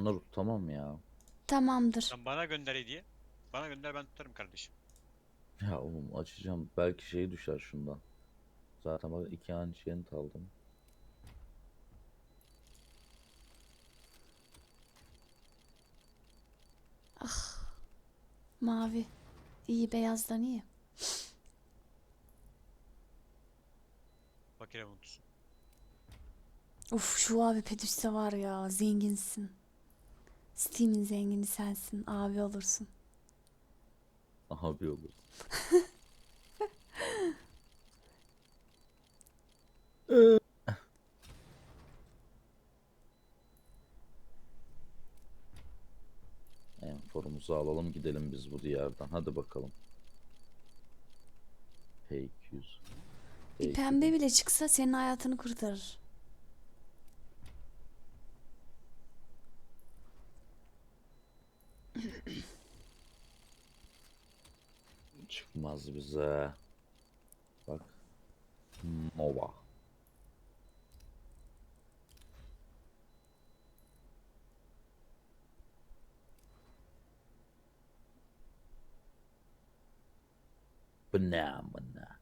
onları tutamam ya. Tamamdır. Sen bana gönder hediye. Bana gönder, ben tutarım kardeşim. Ya oğlum açacağım. Belki şey düşer şundan. Zaten bak iki ancient aldım. Mavi. İyi, beyazdan iyi. Fakire mutlusun. Uf, şu abi Pedüs'te var ya, zenginsin. Steam'in zengini sensin. Abi olursun. Abi olur. Enforumuzu alalım gidelim biz bu diyardan. Hadi bakalım. P200. Bir pembe P2000. bile çıksa senin hayatını kurtarır. Çıkmaz bize. Bak. Nova. Banana.